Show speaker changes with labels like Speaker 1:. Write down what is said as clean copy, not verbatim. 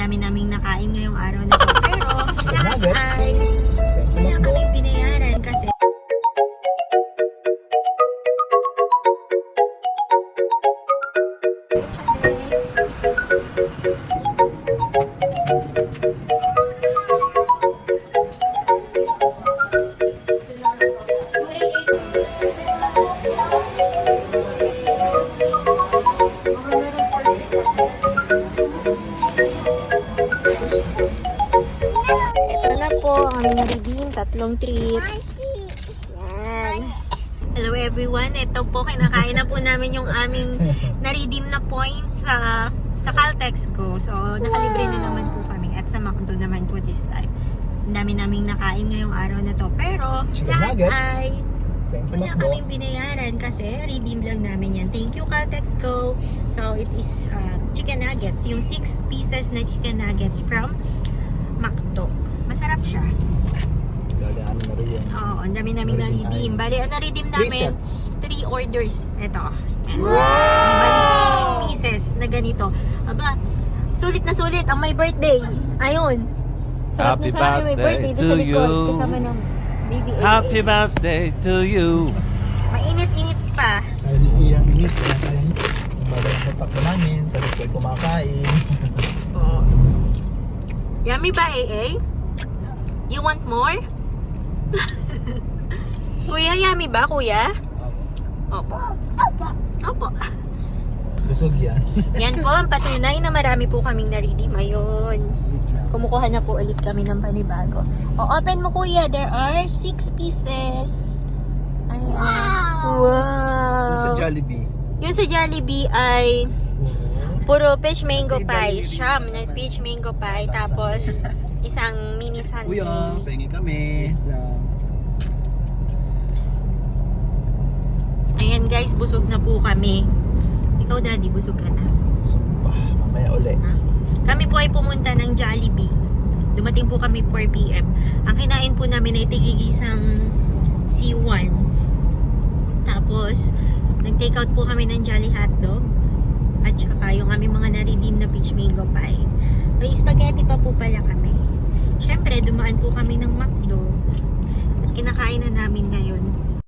Speaker 1: dami naming nakain ngayong araw na to. Pero, lahat ay wala kaming binayaran kasi ito na po ang aming na-redeem, 3 treats. Yan. Hello everyone, ito po kinakain na po namin yung aming na-redeem na points sa Caltex ko. So nakalibre na naman po kami at sa McDo naman po this time. Ang dami naming nakain ngayong araw na to. Pero lahat ay wala kaming binayaran kasi redeem lang namin yan. Thank you Caltex Go. So it is chicken nuggets, yung 6 pieces na chicken nuggets from McDo. Masarap siya.
Speaker 2: Gagaan na rin yan.
Speaker 1: Oo, ang dami naming na-redeem. Bali, ang na-redeem namin 3 orders. Ito. Wow! Bali, 6 pieces na ganito. Aba, sulit na sulit ang my birthday. Ayun. Sarap
Speaker 3: Happy
Speaker 1: na sarap yung my birthday
Speaker 3: birthday
Speaker 1: sa
Speaker 3: to
Speaker 1: likod.
Speaker 3: you.
Speaker 1: Kasama ng baby AA.
Speaker 3: Happy birthday to you.
Speaker 1: Mainit-init pa.
Speaker 2: Ay, iyang init. Magalang kontak namin. Tapos kayo kumakain.
Speaker 1: Oo. Yummy ba, AA? You want more? Kuya, yummy ba, kuya? Opo. Opo.
Speaker 2: Busog yan.
Speaker 1: Yan po ang patunay na marami po kaming na-redeem. Ayun. Kumukuha na po ulit kami ng panibago. O, open mo kuya. There are 6 pieces. Ayan. Wow.
Speaker 2: Sa Jollibee.
Speaker 1: Yung sa Jollibee ay puro peach mango pie. Siyam na peach mango pie. Tapos isang mini sundae.
Speaker 2: Kuya, pengi kami.
Speaker 1: Ayan guys, busog na po kami. Ikaw daddy, busog ka na.
Speaker 2: Sumpa. Mamaya uli.
Speaker 1: Kami po ay pumunta ng Jollibee. Dumating po kami 4 PM. Ang kinain po namin ay tigigisang C1. Tapos, nag-take out po kami ng Jolly Hotdog. At saka yung aming mga na-redeem na peach mango pie. May spaghetti pa po pala kami. Siyempre, dumaan po kami ng McDo. At kinakain na namin ngayon.